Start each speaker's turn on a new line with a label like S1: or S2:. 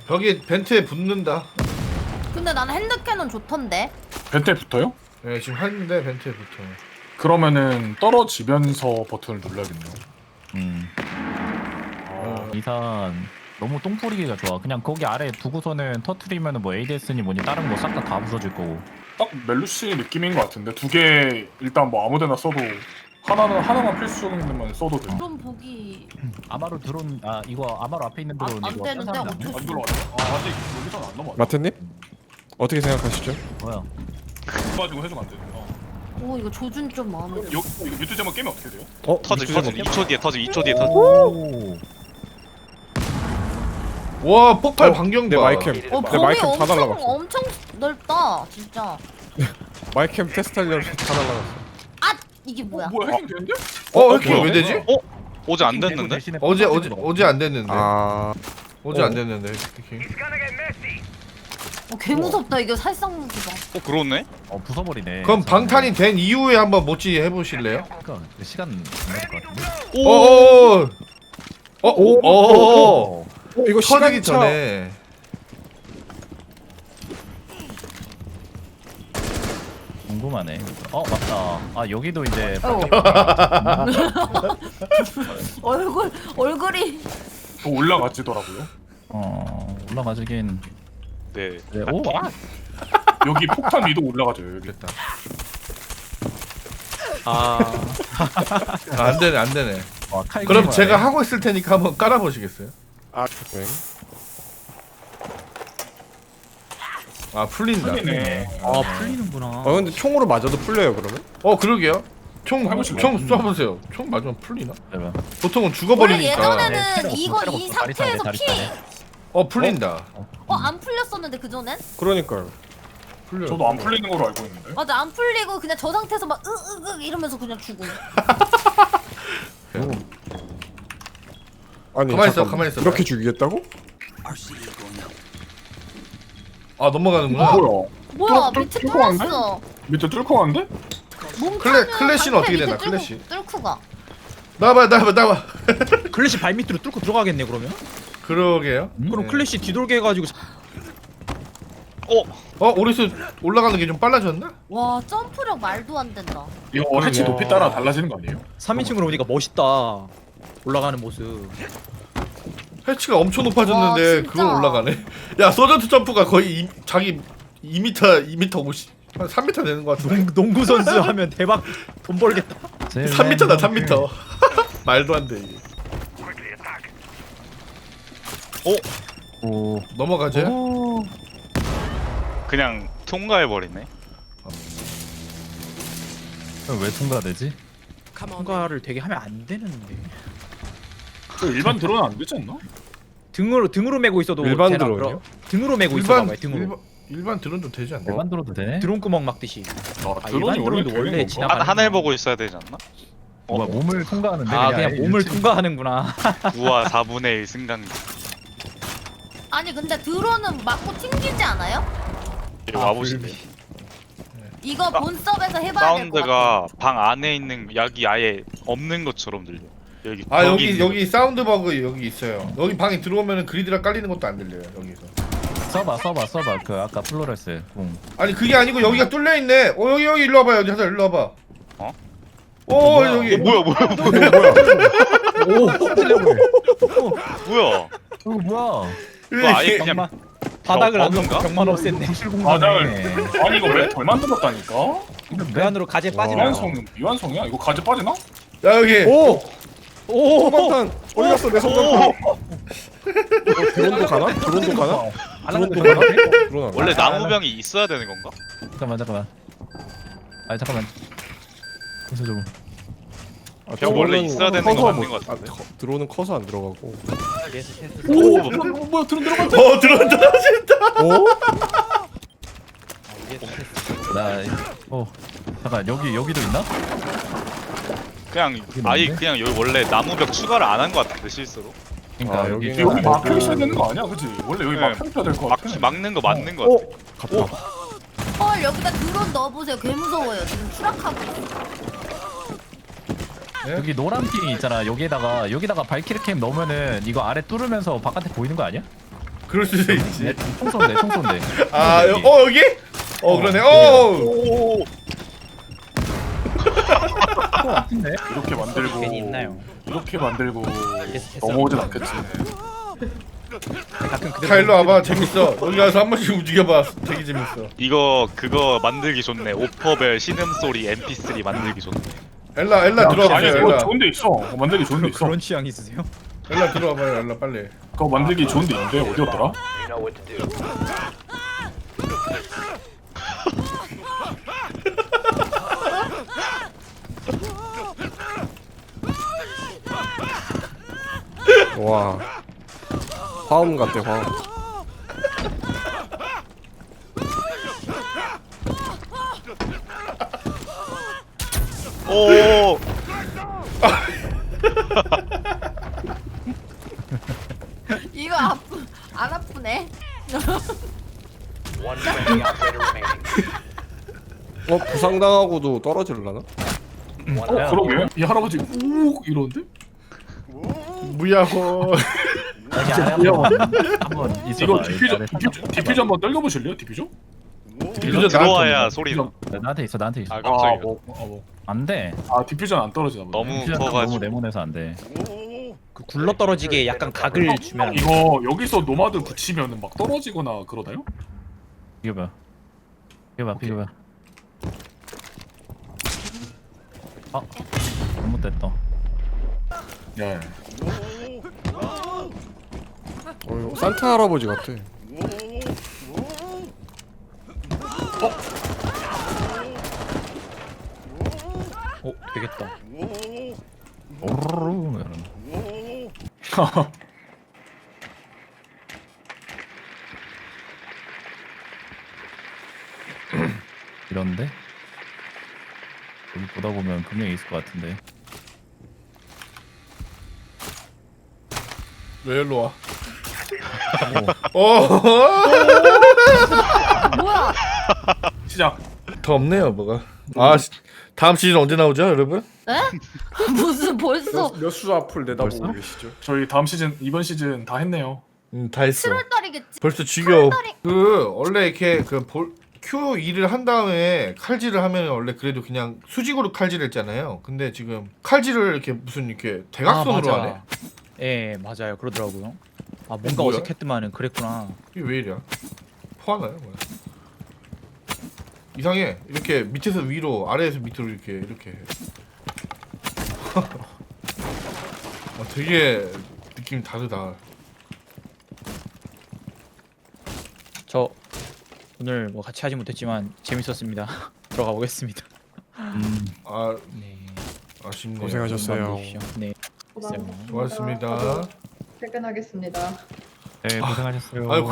S1: 벽에 벤트에 붙는다.
S2: 근데 나는 핸드캐논 좋던데.
S3: 벤트에 붙어요?
S1: 네, 지금 했는데 벤트에 붙어.
S3: 그러면은 떨어지면서 버튼을 눌러야겠네요.
S4: 이산 너무 똥 뿌리기가 좋아. 그냥 거기 아래 두고서는 터트리면은 뭐 ADS니 뭐니 다른 거 싹 다 부서질 거고.
S3: 딱 멜루시 느낌인 것 같은데 두 개 일단 뭐 아무데나 써도 하나만 필수적인데만 써도 돼.
S2: 좀 보기
S4: 아마로 드론 이거 아마로 앞에 있는 드론
S2: 안
S4: 이거
S2: 되는데
S4: 딴 사람이
S2: 어쩔
S3: 안 들어왔네. 아직 여기서는 안 넘어왔네.
S5: 마태님? 어떻게 생각하시죠?
S4: 뭐야?
S3: 가지고 해주면 안 돼.
S2: 오 이거 조준 좀 마음에 들어.
S3: 이거 뮤트 제목 깨면 어떻게 돼요?
S6: 터짐
S5: 밑에
S6: 터짐
S5: 제목?
S6: 2초 뒤에 터짐 2초 뒤에 터짐.
S4: 오.
S1: 와 폭발
S5: 어,
S1: 반경
S5: 내
S1: 봐.
S5: 마이캠
S2: 어
S5: 내
S2: 범위
S5: 마이캠 다
S2: 엄청
S5: 날라갔어.
S2: 엄청 넓다 진짜.
S5: 마이캠 테스트하려고 다 날라갔어.
S2: 아 이게 뭐야?
S3: 뭐야 해킹 되는데?
S1: 해킹
S3: 뭐야?
S1: 왜 되지?
S6: 어제 안 됐는데?
S1: 어제 안 됐는데. 어제
S5: 어.
S1: 안 됐는데 해킹.
S2: 개 무섭다 이게 살상 무기다.
S6: 그러네?
S4: 부숴버리네.
S1: 그럼 방탄이 된 이후에 한번 모찌 해보실래요?
S4: 그러니까 시간 안 걸릴 것 같은데.
S1: 어어어. 어어어.
S5: 이거
S1: 터지기
S5: 시간차.
S1: 전에.
S4: 궁금하네. 맞다. 여기도 이제
S2: 얼굴이
S3: 또 올라가지더라고요.
S4: 올라가지긴.
S6: 네.
S4: 네. 오.
S3: 여기 폭탄 위도 올라가죠. 여기.
S1: 됐다.
S4: 아.
S1: 안 되네 안 되네.
S4: 칼
S1: 그럼
S4: 그리마네.
S1: 제가 하고 있을 테니까 한번 깔아보시겠어요?
S5: 아, 네.
S1: 풀린다.
S3: 풀리네.
S4: 풀리는구나.
S5: 근데 총으로 맞아도 풀려요 그러면?
S1: 그러게요. 총
S3: 해보실래요?
S1: 총 쏴보세요. 총 맞으면 풀리나?
S4: 해봐.
S1: 보통은
S2: 원래
S1: 죽어버리니까.
S2: 예전에는
S4: 네,
S2: 이거
S4: 테러
S2: 이
S4: 다리
S2: 상태에서
S4: 다리
S2: 피
S4: 다리.
S1: 풀린다.
S2: 안 풀렸었는데 그전엔?
S5: 그러니까요.
S1: 풀려.
S3: 저도 안 풀리는 걸로 알고 있는데.
S2: 맞아 안 풀리고 그냥 저 상태에서 막 으으으 이러면서 그냥 죽음.
S5: 아니
S1: 가만히 있어,
S5: 잠깐만.
S1: 가만히 있어.
S5: 이렇게 죽이겠다고?
S1: 넘어가는구나.
S2: 뭐야
S3: 뚫-
S2: 밑에
S3: 뚫고 왔네?
S2: 뚫었어.
S3: 밑에 뚫고 왔는데?
S1: 클래시는 어떻게 되나,
S2: 밑에
S1: 클래시?
S2: 뚫고가.
S1: 나와봐.
S7: 클래시 발밑으로 뚫고 들어가겠네 그러면?
S1: 그러게요.
S7: 그럼
S1: 네.
S7: 클래시 뒤돌게 해가지고
S1: 오리스 올라가는 게 좀 빨라졌나?
S2: 와 점프력 말도 안 된다.
S3: 이거 해치 높이 따라 달라지는 거 아니에요?
S7: 3인칭으로 오니까 멋있다. 올라가는 모습.
S1: 해치가 엄청 높아졌는데
S2: 와, 진짜.
S1: 그걸 올라가네. 야 서전트 점프가 거의 자기 2m 50, 한 3m 되는 것 같은데.
S7: 농구 선수 하면 대박 돈 벌겠다.
S1: 3m다 3m. 말도 안 돼 이게.
S4: 오.
S1: 넘어가지?
S6: 그냥 통과해버리네.
S4: 왜 통과되지?
S7: 통과를 되게 하면 안 되는데.
S3: 저 일반 드론은 안 되지 않나?
S7: 등으로 메고 있어도
S5: 일반
S7: 되나,
S5: 드론이요?
S7: 그럼? 등으로 메고 있어 봐봐요. 등으로.
S1: 일반 드론도 되지 않나?
S4: 일반 들어도 되네.
S7: 드론 구멍 막듯이.
S3: 드론이
S7: 일반
S3: 원래
S7: 드론도
S3: 되는
S7: 원래
S3: 건가?
S7: 지나가.
S6: 하늘 보고 있어야 되지 않나?
S4: 뭐야 몸을 통과하는데
S7: 그냥
S4: 아예
S7: 몸을
S4: 유튜브-
S7: 통과하는구나.
S6: 우와 4분의 1 승강기.
S2: 아니 근데 드론은 맞고 튕기지 않아요?
S6: 이리 와보실래?
S2: 이거 본섭에서 해봐야 될 것 같아.
S6: 사운드가 방 안에 있는 약이 아예 없는 것처럼 들려. 여기
S1: 여기 사운드 버그 여기 있어요. 여기 방에 들어오면은 그리드라 깔리는 것도 안 들려요 여기서.
S4: 써봐 그 아까 플로레스 궁.
S1: 아니 그게 아니고 여기가 뚫려 있네. 여기 일로 와봐요. 여기 하자 일로 와봐. 여기.
S6: 뭐야
S4: 이거 뭐야?
S6: 이거 아예 그냥
S7: 바닥을 안
S6: 버그인가?
S7: 놓고 벽만 없앴네.
S4: 부실
S3: 바닥을
S4: 공간에.
S3: 아니 이거 왜 덜 만들었다니까?
S7: 그 안으로 가재 빠지나?
S3: 미완성이야? 이거 가지 빠지나?
S1: 야 여기.
S5: 오!
S7: 오!
S5: 소방탄 어디 갔어 내 소방탄? 드론도 가나? 드론도 가나? 드론도 가나? 드론 안 가?
S6: 원래 나무병이 있어야 되는 건가?
S4: 잠깐만. 잠깐만. 무슨 좀.
S6: 형 원래
S5: 드론은
S6: 있어야 되는
S5: 커서
S6: 거 맞는
S5: 못-
S6: 것 같은데?
S5: 드론은 커서 안 들어가고.
S3: 뭐야 드론 들어간다.
S1: 드론 떨어진다.
S5: 오?
S4: 잠깐 여기도 있나?
S6: 그냥 아예 그냥 여기 원래 나무벽 추가를 안 한 것 같은데 실수로.
S4: 그러니까 여기
S5: 여기
S3: 여기 막혀 있어야 되는 거 아니야, 그지? 원래 여기
S6: 네.
S3: 막혀 있어야 될 거 같아.
S6: 막는 거 맞는 거 같아.
S5: 갔다.
S2: 헐 여기다 드론 넣어보세요. 개 무서워요. 지금 추락하고 있어.
S4: 여기 노란 핑 있잖아. 여기다가 발키리 캠 넣으면은 이거 아래 뚫으면서 바깥에 보이는 거 아니야?
S1: 그럴 수도 있지.
S4: 총 쏜대 총 쏜대.
S1: 아,
S4: 여기.
S1: 여기? 그러네.
S6: 오.
S4: 총 같은데?
S3: 이렇게 만들고
S7: 괜히 있나요?
S3: 이렇게 만들고
S7: 됐어.
S3: 넘어오진 않겠지.
S7: 가끔 그대로
S1: 다 일로 와봐. 재밌어. 여기 가서 한 번씩 움직여봐. 되게 재밌어.
S6: 이거 그거 만들기 좋네. 오퍼벨 신음소리 MP3 만들기 좋네.
S1: 엘라
S3: 아니
S1: 들어와보세요.
S3: 그거
S1: 엘라.
S3: 좋은 데 있어. 만들기 좋은 데 있어.
S7: 그런 취향 있으세요?
S1: 엘라 들어와봐요. 엘라 빨리.
S3: 그거 만들기 좋은 데 있는데 어디였더라?
S5: 와 화음 같아 화음.
S6: 오.
S2: 이거 안 아프네.
S5: 부상당하고도 떨어질라나?
S3: 그러게. 이 할아버지 우 이러는데?
S1: 무야호.
S4: 한번
S3: 이거
S4: 있어봐.
S3: 디퓨저 한번 떨겨보실래요? 디퓨저?
S1: 디퓨저
S6: 들어와야
S1: 나한테
S6: 소리.
S4: 나한테 있어 나한테 있어.
S6: 아 깜짝이야.
S4: 안돼.
S3: 디퓨저는 안 떨어지나 보네.
S6: 너무
S4: 너무
S6: 커가지고.
S4: 네모내서 안 돼.
S7: 그 굴러 떨어지게 약간 각을 주면 안 돼.
S3: 이거 여기서 노마드 붙이면은 막 떨어지거나 그러나요?
S4: 비교봐. 비교봐. 아 잘못됐다.
S3: 네.
S5: 이거 산타 할아버지 같아.
S7: 되겠다.
S4: 오르르 이러는. 이런데 여기 보다 보면 분명히 있을 것 같은데.
S1: 왜 일로 와?
S2: 뭐야?
S3: 시작.
S1: 더 없네요 뭐가. 다음 시즌 언제 나오죠 여러분?
S2: 에? 무슨 벌써
S5: 몇수 앞을 내다보고
S4: 벌써?
S5: 계시죠?
S3: 저희 이번 시즌 다 했네요.
S1: 다 했어.
S2: 7월달이겠지?
S1: 벌써 지겨워. 원래 이렇게 Q2를 한 다음에 칼질을 하면 원래 그래도 그냥 수직으로 칼질했잖아요. 근데 지금 칼질을 이렇게 무슨 이렇게 대각선으로
S7: 맞아.
S1: 하네.
S7: 예 맞아요 그러더라고요. 뭔가
S1: 뭐야?
S7: 어색했더만은 그랬구나.
S1: 이게 왜 이래? 포하나요 뭐야? 이상해. 이렇게 밑에서 위로, 아래에서 밑으로 이렇게. 되게 느낌이 다르다.
S7: 저 오늘 뭐 같이 하지 못했지만 재밌었습니다. 들어가 보겠습니다. 네.
S1: 아쉽네요.
S5: 고생하셨어요.
S7: 네.
S1: 수고하셨습니다.
S8: 퇴근하겠습니다.
S4: 네 고생하셨어요.
S1: 아유